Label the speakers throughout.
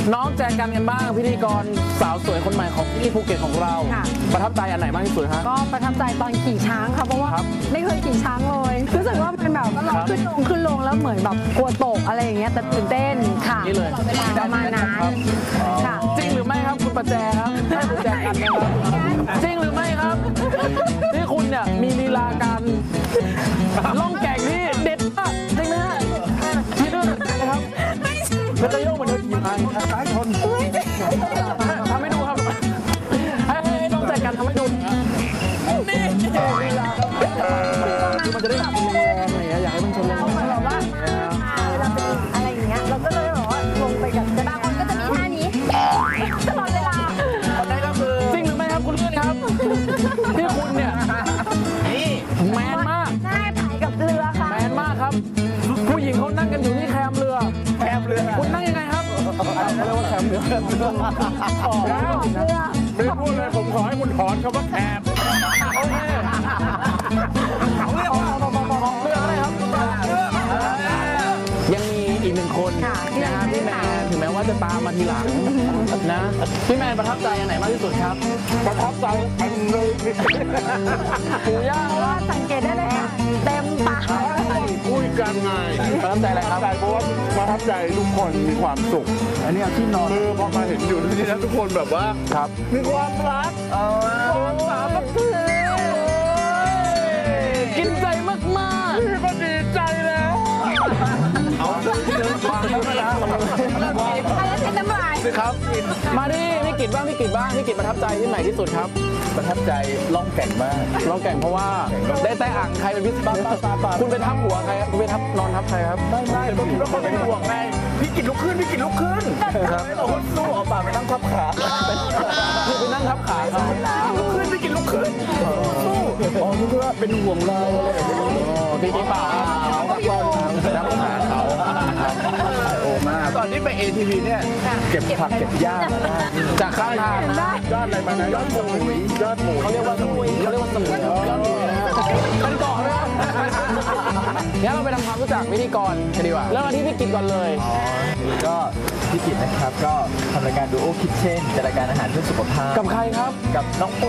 Speaker 1: น้องแจกันบ้างพิธีกรสาวสวยคนใหม่ของที่ภูเก็ตของเราประทับใจอันไหนมากที่สุดฮะ
Speaker 2: ก็ประทับใจตอนขี่ช้างค่ะเพราะว่าไม่เคยขี่ช้างเลยรู้สึกว่ามันแบบขึ้นลงแล้วเหมือนแบบกลัวตกอะไรอย่างเงี้ยแต่ตื่นเต้นค่ะ
Speaker 1: นี่เลย
Speaker 2: ประมาณนั้นค่ะ
Speaker 1: จริงหรือไม่ครับคุณประแจครับให้คุณแจกันนะครับจริงหรือไม่ครับที่คุณเนี่ยมีลีลาการล่องแก่งที่เด็ดมากจริงไหมฮะที่ด้วยนะครับเป็นตะโยกเหมือนเดินขี่มาซ้ายชนทำให้ดูครับให้น้องแจกันทำให้ดูนี่ลีลาคือมันจะได้แบบแรงอะไรอย่างเงี้ยอยากให้มันชนแรงเราว่า
Speaker 2: เราเป็นอะไรอย่างเงี้ยเราก็เลยบอกว่าลงไปกับบางคนก็จะมีท่านี้ตลอดเวลา
Speaker 1: จริงหรือไม่ครับคุณเลื่อนครับที่คุณเนี่ยแมนมาก
Speaker 2: ได้ถ่ายกับเรือค่ะ
Speaker 1: แมนมากครับผู้หญิงเขานั่งกันอยู่ที่แคมเรือคุณนั่งยังไงครับเรียกว่าแคมเรือ
Speaker 3: ไม่พูดเลยผมขอให้คุณถอนคำว่าแคม
Speaker 1: โอเคของเรืออะไรครับยังมีอีกหนึ่งคนนะพี่แมนถึงแม้ว่าจะตามมาทีหลังนะพี่แมนประทับใจอันไหนมากที่สุดครับ
Speaker 3: ประทับใจอันเลย
Speaker 1: ปู่ย่า
Speaker 2: ว่าสังเกตได้เลยค่ะเต็มตา
Speaker 3: คุยกันไง
Speaker 1: ประทับใจอะไรครับ
Speaker 3: เพราะว่าประทับใจทุกคนมีความสุข
Speaker 1: อันนี้ที่นอน
Speaker 3: คือพอมาเห็นอยู่ที่นี่นะทุกคนแบบว่า
Speaker 1: ครับ
Speaker 3: มีความรักความสามัคคี
Speaker 1: กินใจมาก
Speaker 3: ๆพี่ก็ดีใจแล้วเอาเดินทางแล้ว
Speaker 2: อะไรเป็นน้ำลาย
Speaker 1: ครับมาดิพี่กิตบ้างพี่กิตประทับใจที่ไหนที่สุดครับ
Speaker 3: ประทับใจล่องแก่งมาก
Speaker 1: ล่องแก่งเพราะว่าได้แต่อ่างใครเป็นพิเศษคุณไปทับหัวใครครับคุณไปทับนอนทับใครครับ
Speaker 3: ไม่ผมก็คนเป็นห่วงไงพี่กิตลุกขึ้นครับเราคนสู้เอาปากไปนั่งทับขา
Speaker 1: คือไปนั่งทับขาครับ
Speaker 3: พี่กิตลุกขึ้นสู้อ๋อนี่ก็เป็นห่วงเรา
Speaker 1: พี่กิตป่าทับขาเขา
Speaker 3: โอ้มากตอนนี้ไป ATV เนี่ยเก็บผักเก็บหญ้า
Speaker 1: จากข้างทาง
Speaker 3: ยอดอะไรมานะยอดหมู
Speaker 1: เขาเรียกว่าสมุยยอดหมูนะครับเป็นเกาะนะงั้นเราไปทำความรู้จักพิธีกรกันดีกว่าเริ่มที่พี่กิตก่อนเลย
Speaker 4: ก็พี่กิตนะครับก็ทำรายการดูโอคิทเช่นจัดรายการอาหารเพื่อสุขภาพ
Speaker 1: กับใครครับ
Speaker 4: กับน้องปู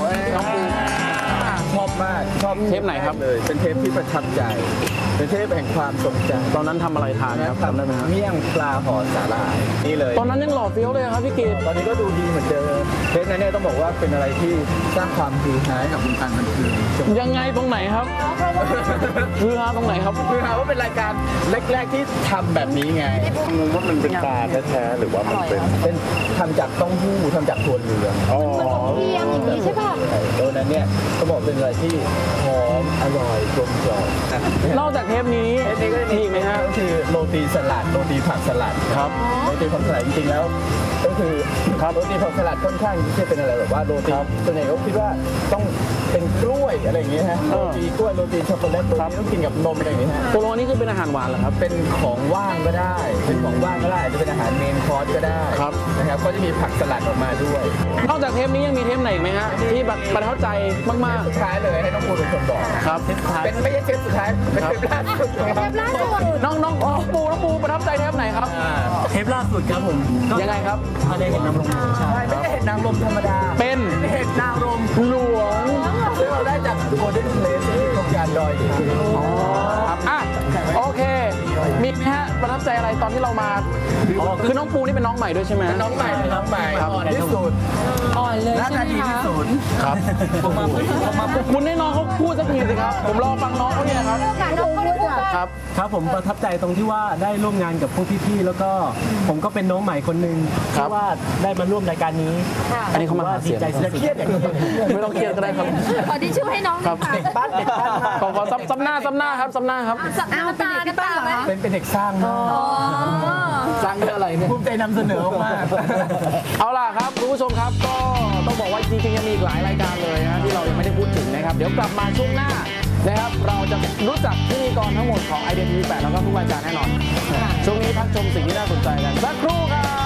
Speaker 4: ชอบมากชอบ
Speaker 1: เทปไหนครับ
Speaker 4: เลยเป็นเทปที่ประทับใจเป็นเทปแห่งความทรงจำ
Speaker 1: ตอนนั้นทำอะไรทานครับ
Speaker 4: ทำได้ไหมครับเมี่ยงปลาห่อสาหร่ายนี่เลย
Speaker 1: ตอนนั้นยังหล่อเฟี้ยวเลยครับพี่กิต
Speaker 4: ตอนนี้ก็ดูดีเหมือนเดิมเทปนั้นเนี่ยต้องบอกว่าเป็นอะไรที่สร้างความฮือฮาให้กับวงการบันเทิง
Speaker 1: ยังไงตรงไหนครับฮือฮาตรงไหนครับ
Speaker 4: ฮือฮาว่าเป็นรายการแรกๆที่ทำแบบนี้ไง
Speaker 3: งงว่ามันเป็นปลาแท้ๆหรือว่ามัน
Speaker 4: เป็นทำจากเต้าหู้ทำจากถั่วเหลือง
Speaker 2: เทียมอย่างนี้ใช่ป่ะ
Speaker 4: ตัวนั้นเนี่ยเขาบอกเป็นอะไรที่หอมอร่อยกลมกล่อม
Speaker 1: นอกจากเทปนี้มีไหมฮะ
Speaker 4: ก็คือโรตีสลัดโรตีผักสลัด
Speaker 1: ครับ
Speaker 4: โรตีผักสลัดจริงๆแล้วก็คือโรตีผักสลัดค่อนข้างที่จะเป็นอะไรแบบว่าโรตีส่วนใหญ่เขาคิดว่าต้องเป็นกล้วยอะไรอย่างเงี้ยฮะโรตีกล้วยโรตีช็อกโกแลตโรตีต้องกินกับนมอะไรอย่างเงี้ยฮะ
Speaker 1: ตัวนี้คือเป็นอาหารหวานเหรอครับ
Speaker 4: เป็นของว่างก็ได้เป็นของว่างก็ได้จะเป็นอาหารเมนคอร์สก็ได้นะครับก็จะมีผักสลัดออกมาด้วย
Speaker 1: นอกจากเทปนี้ยังมีเทปไหนไหมฮะที่แบบประทับใจมาก
Speaker 4: ๆสุดท้ายเลยให้น้องปูเป็นคนบอก
Speaker 1: ครับ
Speaker 4: เป็นไม่ใช่เทปสุดท้ายเป็นเทปล่าสุด
Speaker 1: น้องปูประทับใจเทปไหนครับ
Speaker 4: เทปล่าสุดครับผม
Speaker 1: ยังไงครับ
Speaker 4: ได้เห็นนางรมใช่ไม่ได้เห็นนางรมธรรมดา
Speaker 1: เป็น
Speaker 4: เห็นนางรม
Speaker 1: หลวง
Speaker 4: ซึ่งเราได้จากโกลเด้นเพลสที่โครงการดอย
Speaker 1: ครับโอเคมีไหมฮะประทับใจอะไรตอนที่เรามาคือน้องปูนี่เป็นน้องใหม่ด้วยใช่ไหม
Speaker 4: น้องใหม่อ่อนที่สุด
Speaker 2: อ่อนเลยใช่ไหมคะ
Speaker 1: ครับคุณให้น้องเขาพูดสักทีสิครับผมรอฟังน้องเขาเนี่ยครับ
Speaker 5: ครับผมประทับใจตรงที่ว่าได้ร่วมงานกับพวกพี่ๆแล้วก็ผมก็เป็นน้องใหม่คนหนึ่งที่ว่าได้มาร่วมรายการนี้
Speaker 1: อันนี้เขามา
Speaker 5: ดีใจสุดเครียด
Speaker 1: ไม่ต้องเครียดก็ได้ครับ
Speaker 2: ขอที่ช่วยให้น้อง
Speaker 4: เด็กบ้าน
Speaker 1: ขอซ้ำหน้าครับซ้ำหน้าครับ
Speaker 2: น้ำตาไหม
Speaker 4: เป็นเด็กสร้าง
Speaker 1: สร้างอะไรเนี่ย
Speaker 4: ภูมิใจนำเสนอมาก
Speaker 1: เอาล่ะครับคุณผู้ชมครับก็ต้องบอกว่าจริงๆยังมีอีกหลายรายการเลยนะที่เรายังไม่ได้พูดถึงนะครับเดี๋ยวกลับมาช่วงหน้านะครับเราจะรู้จักพิธีกรทั้งหมดของ IDTV8 แล้วก็ทุกรายการแน่นอนช่วงนี้พักชมสิ่งที่น่าสนใจกันสักครู่ครับ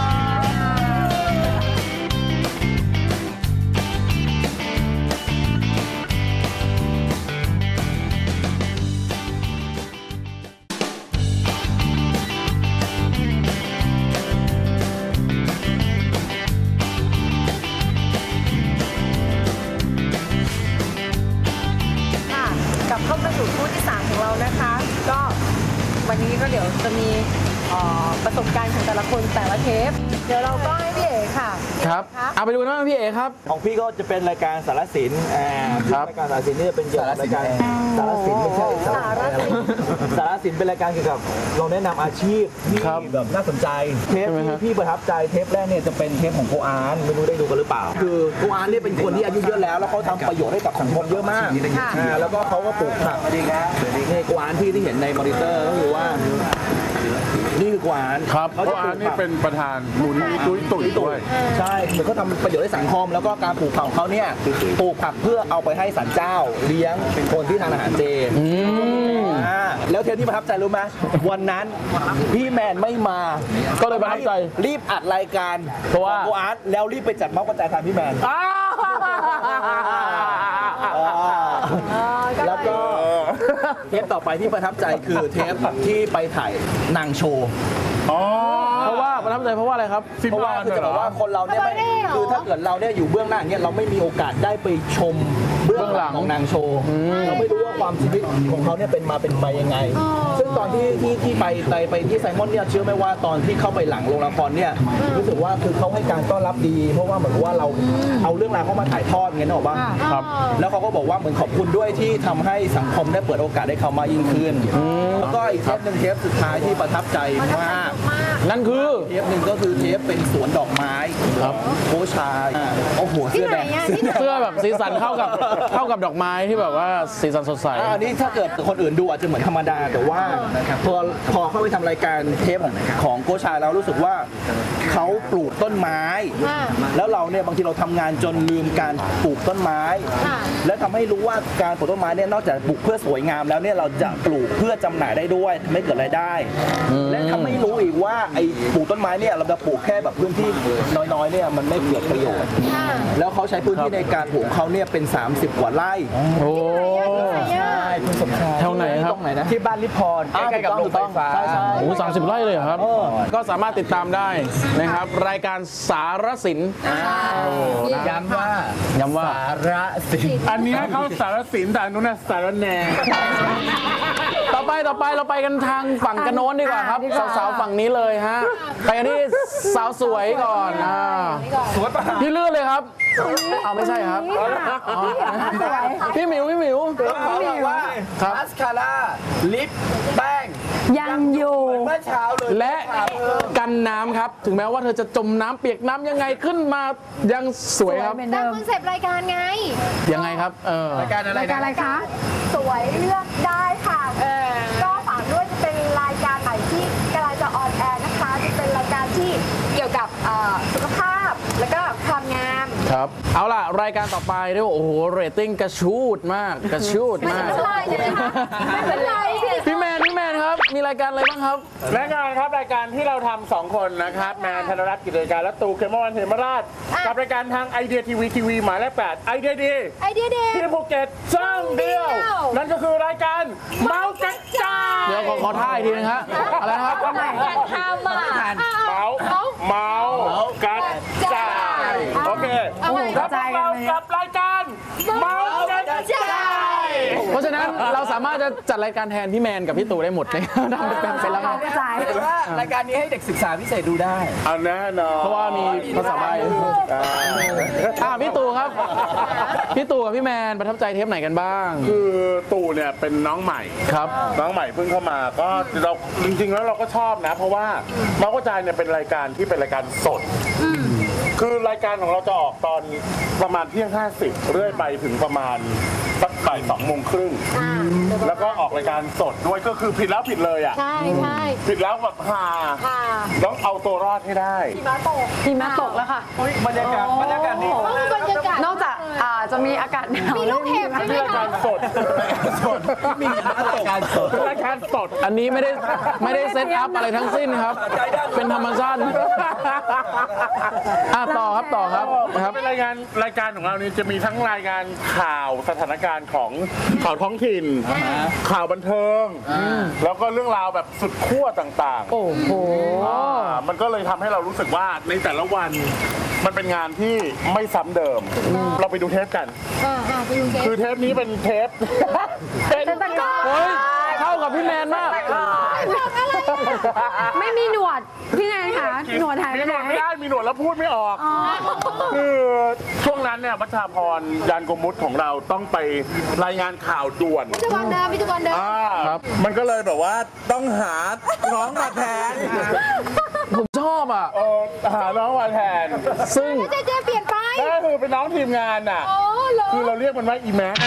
Speaker 2: ประสบการณ์ของแต่ละคนแต่ละเทปเดี๋ยวเราก็ให้พี่เอ๋ค่ะ
Speaker 1: ครับเอาไปดูกันว่าพี่เอ๋ครับ
Speaker 3: ของพี่ก็จะเป็นรายการสารสิน
Speaker 1: ครับ
Speaker 3: รายการสารสินนี่จะเป็นเกี่ยวกับรายการสารสินไม่ใช่
Speaker 2: สารสิน
Speaker 3: สารสินเป็นรายการเกี่ยวกับเราแนะนำอาชีพที่
Speaker 1: ครับ
Speaker 3: แบบน่าสนใจเทป
Speaker 1: ใช่ไหม
Speaker 3: ที่
Speaker 1: ฮะ
Speaker 3: พี่ประทับใจเทปแรกเนี่ยจะเป็นเทปของโกอานไม่รู้ได้ดูกันหรือเปล่า คือโกอานเนี่ยเป็นคนที่อายุเยอะแล้วเขาทำประโยชน์ให้กับสังคมเยอะมากแล้วก็เขาก็ปลูกผักนี่โกอานที่เห็นในมอนิเตอร์ก็คือว่านี่คือโกอาน
Speaker 1: ครับ
Speaker 3: เขา
Speaker 6: เพ
Speaker 3: จะ
Speaker 6: ราะ
Speaker 3: ป
Speaker 6: อั
Speaker 3: ลู
Speaker 6: น
Speaker 3: ก
Speaker 6: นี้
Speaker 3: ผัก
Speaker 6: เป็นประธานมูลนิธิตุ้ยตุ๋ยด้วย
Speaker 3: ใช่เหมือนเขาทำประโยชน์ให้สังคมแล้วก็การปลูกผักของเขาเนี่ยปลูกผักเพื่อเอาไปให้ศาลเจ้าเลี้ยงเป็นคนที่ทานอาหารเจแล้วเทปที่ประทับใจรู้ไหมวันนั้นพี่แมนไม่มา
Speaker 1: ก็เลยประทับใจ
Speaker 3: รีบอัดรายการ
Speaker 1: เพราะว่า
Speaker 3: โกอาร์ตแล้วรีบไปจัดเมาส์กระจายทางพี่แมนแล้วก็เทปต่อไปที่ประทับใจคือเทปที่ไปถ่ายนางโชว์
Speaker 6: อ๋อ
Speaker 1: เพราะว่าประทับใจเพราะว่าอะไรครับ
Speaker 6: ซิม
Speaker 3: เพราะว่า
Speaker 6: บาน
Speaker 3: คือจะ
Speaker 6: เห
Speaker 3: บ
Speaker 6: ร
Speaker 3: อก
Speaker 6: อ
Speaker 3: ว่าคนเราเนี่ยไม่คือถ้าเกิดเราเนี่ยอยู่เบื้องหน้าอย่างเงี้ยเราไม่มีโอกาสได้ไปชมเบื้องหลังของนางโชว์เราไม่รู้ว่าความชีวิตของเขาเนี่ยเป็นมายังไง ซึ่งตอนที่ไปที่ไซมอนเนี่ยเชื่อไหมว่าตอนที่เข้าไปหลังโรงละครเนี่ยรู้สึกว่าคือเขาให้การต้อนรับดี เพราะว่าเหมือนว่าเราเอาเรื่องราวเข้ามาถ่ายทอดเงี้ยนึกออกป่ะครับแล้วเขาก็บอกว่าเหมือนขอบคุณด้วยที่ทำให้สังคมได้เปิดโอกาสให้เขามายิ่งขึ้นแล้วก็อีกเทปหนึ่งเทปสุดท้ายที่ประทับใจมาก
Speaker 1: นั่นคือ
Speaker 3: เทปหนึ่งก็คือเทปเป็นสวนดอกไม้ครับโคชายโอ้โหเสื้อแดง
Speaker 1: เสื้อแบบสีสันเข้ากับดอกไม้ที่แบบว่าสีสันสดใส
Speaker 3: อันนี้ถ้าเกิดคนอื่นดูอาจจะเหมือนธรรมดาแต่ว่าพอเข้าไปทำรายการเทปของโกชายแล้วรู้สึกว่าเขาปลูกต้นไม้ แล้วเราเนี่ยบางทีเราทำงานจนลืมการปลูกต้นไม้ และทำให้รู้ว่าการปลูกต้นไม้เนี่ยนอกจากปลูกเพื่อสวยงามแล้วเนี่ยเราจะปลูกเพื่อจำหน่ายได้ด้วยทำให้เกิดรายได้ และทำให้รู้อีกว่าไอ้ปลูกต้นไม้เนี่ยเราจะปลูกแค่แบบพื้นที่น้อยๆเนี่ยมันไม่เกิดประโยชน์แล้วเขาใช้พื้นที่ในการปลูกเขาเนี่ยเป็น30 กว่าไร่
Speaker 1: โอ้
Speaker 3: ใช่คุณสมชาย
Speaker 1: แถวไหนครับ
Speaker 3: ตรงไหนนะที่บ้านลิพรใกล้ๆกับโรงไฟฟ้าใช่
Speaker 1: โอ้30 ไร่เลยเหรอครับ ก็สามารถติดตามได้นะครับ รายการสารสิน
Speaker 3: ย้ำว่า
Speaker 1: ย้ำว่า
Speaker 3: สาระสิน
Speaker 6: อันนี้เขาสารสินแต่อันนู้นน่ะสารแหน่
Speaker 1: ต่อไปเราไปกันทางฝั่งกระโน้นดีกว่าครับ สาวๆฝั่งนี้เลยฮะ ไปกันที่สาวสวยก่อน
Speaker 3: สวยปะ
Speaker 1: พี่เลื่อนเลยครับเอาไม่ใช่ครับอ๋อพี่หมิว
Speaker 3: เขาบอกว่า
Speaker 1: ครับ
Speaker 3: มาสคาร่าลิปแป้ง
Speaker 2: ยังอยู่
Speaker 3: เมื่อเช้าเลย
Speaker 1: และกันน้ำครับ ถึงแม้ว่าเธอจะจมน้ำเปียกน้ำยังไงขึ้นมายังสวยครับ
Speaker 2: เหมือน
Speaker 7: ตา
Speaker 2: เดิ
Speaker 7: ม
Speaker 2: ม
Speaker 7: คอนเซปต์รายการไง
Speaker 1: ยังไงครับ
Speaker 3: รายการอะไร
Speaker 2: รายการอะไรคะ
Speaker 7: สวยเลือกได้ค่ะ ก็ฝากด้วยจะเป็นรายการใหม่ที่กำลังจะออนแอร์นะคะ จะเป็นรายการที่เกี่ยวกับสุขภาพ แล้วก็ความงาม
Speaker 1: ครับเอาล่ะรายการต่อไปเรียกว่าโอ้โหเรตติ้งกระชูดมากกระชูดมาก
Speaker 7: ไม่เป็นไรใช่ไหมคะไม่เป็นไร
Speaker 1: พี่แมนครับมีรายการอะไรบ้างครับ
Speaker 6: และงานครับรายการที่เราทำ2 คนนะครับแมนธนรัตน์กิจการและตูเคมวันเหมราชกับรายการทางไอเดียทีวีหมายเลข8ไอเดียดี
Speaker 7: ไอเดียเด็ก
Speaker 6: ที่ภูเก็ตช่องเดียว นั่นก็คือรายการเมาส์กระจาย
Speaker 1: เดี๋ยวขอท่าอีกทีนึงฮะอะไรนะครับ
Speaker 7: อยากทำอ่ะ
Speaker 6: เมาส์กระจายโอเค
Speaker 7: เอาไว้
Speaker 6: แล้วพวกเรากับรายการเมาส์กระจาย
Speaker 1: เพราะฉะนั้นเราสามารถจะจัดรายการแทนพี่แมนกับพี่ตู่ได้หมดเลยได้เป็นแล้วครับ
Speaker 2: กระจาย
Speaker 3: แต่ว่ารายการนี้ให้เด็กศึกษาพิเศษดูได้
Speaker 6: เอาแน่นอน
Speaker 1: เพราะว่ามีภาษาใบพี่ตู่ครับพี่ตู่กับพี่แมนประทับใจเทปไหนกันบ้าง
Speaker 6: คือตู่เนี่ยเป็นน้องใหม่
Speaker 1: ครับ
Speaker 6: น้องใหม่เพิ่งเข้ามาก็เราจริงๆแล้วเราก็ชอบนะ เพราะว่าเมาส์กระจายเนี่ยเป็นรายการที่เป็นรายการสดคือรายการของเราจะออกตอนประมาณเที่ยง 50เรื่อยไปถึงประมาณสักบ่าย2 โมงครึ่งแล้วก็ออกรายการสดด้วยก็คือผิดแล้วผิดเลยอ่ะ
Speaker 7: ใช่ใช่
Speaker 6: ผิดแล้วแบบฮา
Speaker 7: ค่ะ
Speaker 6: ต้องเอาตัวรอดให้ได้
Speaker 7: หิมะตก
Speaker 2: หิมะตกแล้วค่ะ
Speaker 3: บรรยากาศดี
Speaker 7: บรรยากาศ
Speaker 2: นอกจากจะมีอากาศหนาว
Speaker 7: มีลูกเห็บใช่ไหม
Speaker 6: นี่ราย
Speaker 7: คะ
Speaker 6: การสด
Speaker 3: มีการสด
Speaker 6: เป็นรายการสด
Speaker 1: อันนี้ไม่ได้เซตอัพอะไรทั้งสิ้นครับ เป็นธรรมชาติต่อครับนะครับ
Speaker 6: เป็นรายการของเรานี่จะมีทั้งรายงานข่าวสถานการณ์ของข่าวท้องถิ่น ข่าวบันเทิง แล้วก็เรื่องราวแบบสุดขั้วต่างๆ
Speaker 1: โอ้โห
Speaker 6: มันก็เลยทำให้เรารู้สึกว่าในแต่ละวันมันเป็นงานที่ไม่ซ้ำเดิม เราไปดูเทปกัน
Speaker 7: ไปดูเกม
Speaker 6: คือเทปนี้เป็นเทปเป็น
Speaker 1: เฮ้ยเข้ากับพี่แมนมาก
Speaker 2: ไม่มีหนวดพี่แนนคะหนวดหายไป
Speaker 6: มีห
Speaker 2: ไห
Speaker 6: น
Speaker 2: น
Speaker 6: วดไม่ได้มีหนวดแล้วพูดไม่ออก คือช่วงนั้นเนี่ยวัชราพรยานโกมุตของเราต้องไปรายงานข่าวด่วน
Speaker 7: พิธีกรเดิมพิธีกรเดิม
Speaker 6: มันก็เลยแบบว่าต้องหาน้องมาแทน
Speaker 1: ผมชอบอ่ะ
Speaker 6: หาน้องมาแทน
Speaker 1: ซึ่ง
Speaker 7: เจ๊เปลี่ยนไป
Speaker 6: ก็คือเป็นน้องทีมงานน่ะ
Speaker 7: โอ้เหรอ
Speaker 6: คือเราเรียกมันว่าอีแม็ก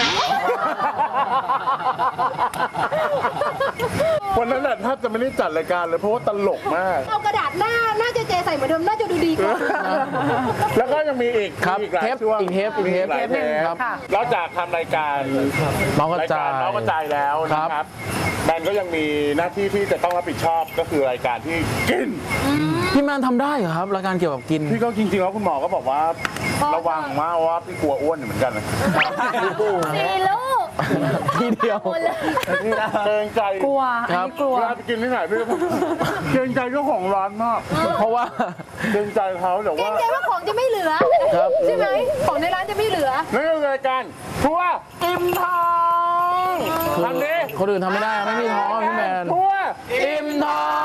Speaker 6: วันนั้นน่ะแทบจะไม่ได้จัดรายการเลยเพราะว่าตลกมาก
Speaker 7: เอากระดาษหน้าเจ๊ใส่เหมือนเดิมน่าจะดูดีกว่า
Speaker 6: แล้วก็ยังมีอีก
Speaker 1: ครับ
Speaker 6: มีอีกหลาย
Speaker 1: เทป
Speaker 6: ช่วง
Speaker 1: อีกเทป
Speaker 6: มีหลายเทป
Speaker 1: ครับ
Speaker 6: นอกจากทำรายการ
Speaker 1: น้องกระจาย
Speaker 6: น้องกระจายแล้วนะครับแมนก็ยังมีหน้าที่ที่จะต้องรับผิดชอบก็คือรายการที่กิน
Speaker 1: พี่แมนทำได้เหรอครับรายการเกี่ยวกับกิน
Speaker 6: พี่ก็จริงๆแล้วคุณหมอก็บอกว่าระวังมากว่าพี่กลัวอ้วนอยู่เหมือนกันนะ
Speaker 7: สี่ลูก
Speaker 1: ทีเดียว
Speaker 6: เกรงใจ
Speaker 2: กลัวอันนี้กลัว
Speaker 6: เวลาไปกินที่ไหนพี่ก็เกรงใจเจ้าของร้านมาก
Speaker 1: เพราะว่า
Speaker 6: เกรงใจเขาแต่
Speaker 7: เกร
Speaker 6: ว่า
Speaker 7: งใจว่าของจะไม่เหลือ
Speaker 1: ครับ
Speaker 7: ใช่ไหมของในร้านจะไม่เหลือ
Speaker 6: นั่นคือรายการทัวร์อิ่มท้องทำดิ
Speaker 1: คนอื่นทำไม่ได้ไม่มีท้องพี่แมน
Speaker 6: ทัวร์
Speaker 1: อิ่มท้อง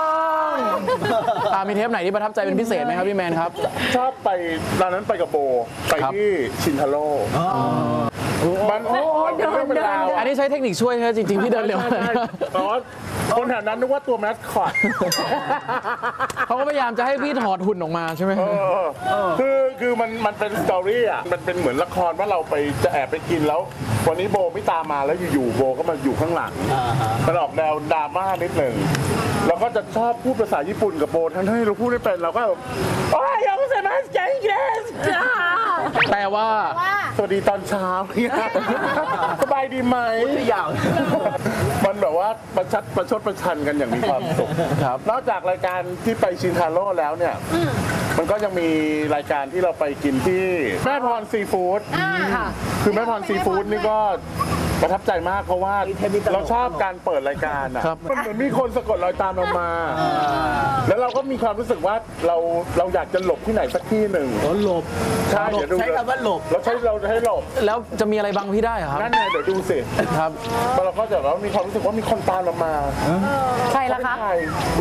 Speaker 1: มีเทปไหนที่ประทับใจเป็นพิเศษไหมครับพี่แมนครับ
Speaker 6: ชอบไปร้านนั้นไปกับโบไป
Speaker 1: ครับ
Speaker 6: ที่ชินทาโร่มันเป็นเรื่องเป็นราว
Speaker 1: อันนี้ใช้เทคนิคช่วยครับจริงๆพี่เดินเร็ว
Speaker 6: ใช่แต่ว่าคนแถวนั้นนึกว่าตัวแมสคอต
Speaker 1: เขาก็พยายามจะให้พี่ถอดหุ่นออกมาใช่ไหม
Speaker 6: คือมันเป็นสตอรี่อ่ะมันเป็นเหมือนละครว่าเราไปจะแอบไปกินแล้ว วันนี้โบไม่ตามมาแล้วอยู่ๆโบก็มาอยู่ข้างหลังมันออกแนวดราม่านิดหนึ่งเราก็จะชอบพูดภาษาญี่ปุ่นกับโบทั้งที่เราพูดไม่เป็นเราก็แบบโอ้ยยังไม่ใช่มาสเกนเกส
Speaker 1: แต่ว่า
Speaker 6: สวัสดีตอนเช้าเนี่ยสบายดีไหมมันแบบว่าประชดประชันกันอย่างมีความสุข
Speaker 1: ครับ
Speaker 6: นอกจากรายการที่ไปชินทาโร่แล้วเนี่ย มันก็ยังมีรายการที่เราไปกินที่แม่พรซีฟู้ดคือแม่พรซีฟู้ดนี่ก็ประทับใจมากเพราะว่าเราชอบการเปิดรายการอ่ะ
Speaker 1: ครับ
Speaker 6: มันเหมือนมีคนสะกดรอยตามเรามา แล้วเราก็มีความรู้สึกว่าเราอยากจะหลบที่ไหนสักที่หนึ่งหลบใช่เดี๋ยวดู
Speaker 3: ใช้คำว่าหลบ
Speaker 6: เราให้หลบ
Speaker 1: แล้วจะมีอะไรบังพี่ได้เหรอครับ
Speaker 6: นั่นไงเดี๋ยวดูสิ
Speaker 1: ครับ
Speaker 6: เราก็จะแบบมีความรู้สึกว่ามีคนตามเรามา
Speaker 2: ใครล่ะคะ
Speaker 6: ใคร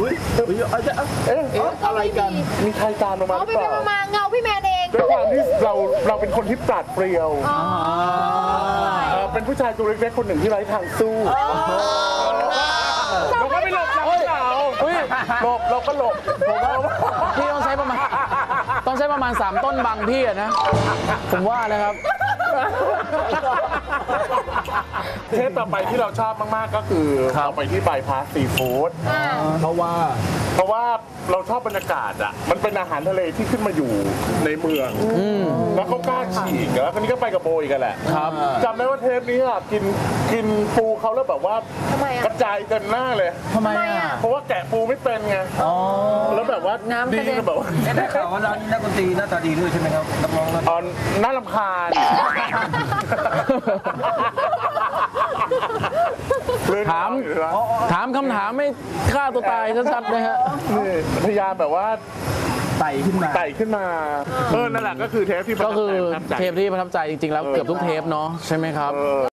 Speaker 3: อะไรกัน
Speaker 6: มีใครตามเรามาห
Speaker 7: เอา
Speaker 6: รือ
Speaker 7: ไป
Speaker 6: เปล่า
Speaker 7: มาเงาพี่แมนเอง
Speaker 6: ด้วยความที่เราเป็นคนที่ปราดเปรียวเป็นผู้ชายตัวเล็กๆคนหนึ่งที่ไร้ทางสู้เราก็ไม่หลบเราก็เหงาหลบเราก็หลบผมว่า
Speaker 1: พี่ต้องใช้ประมาณ 3 ต้นบังพี่อะนะ ผมว่านะครับ
Speaker 6: เทปต่อไปที่เราชอบมากๆก็คือเราไปที่บายพาสซีฟู้ดเพราะว่าเราชอบบรรยากาศอ่ะมันเป็นอาหารทะเลที่ขึ้นมาอยู่ในเมืองแล้วเขากล้าฉีกแล้วคนนี้ก็ไปกับโบยกันแหละ
Speaker 1: ครับ
Speaker 6: จำได้ว่าเทปนี้อ่ะกินปูเขาแล้วแบบว่า
Speaker 7: ทำไมอะ
Speaker 6: กระจายเต็มหน้าเลย
Speaker 1: ทำไมอ่ะ
Speaker 6: เพราะว่าแกะปูไม่เป็นไงแล้วแบบว่าดีแบบว่า
Speaker 3: ได้ข่าวว่าร้านนี้นักดนตรีหน้าตาดีด้วยใช่ไหมครับนักร้องนัก
Speaker 6: น่ารำคาญ
Speaker 1: ถามคำถามไม่ฆ่าตัวตายชัดๆนะฮะ
Speaker 6: นี่พยายามแบบว่า
Speaker 3: ไต่ขึ้นมา
Speaker 6: ไต่ขึ้นมานั่นแหละก็คือเทปที่ประ
Speaker 1: ก็
Speaker 6: ทับ
Speaker 1: คือ
Speaker 6: ใจ
Speaker 1: เทปที่ประทับใจจริงๆแล้วเกือบทุกเทปเนาะใช่ไหมครับ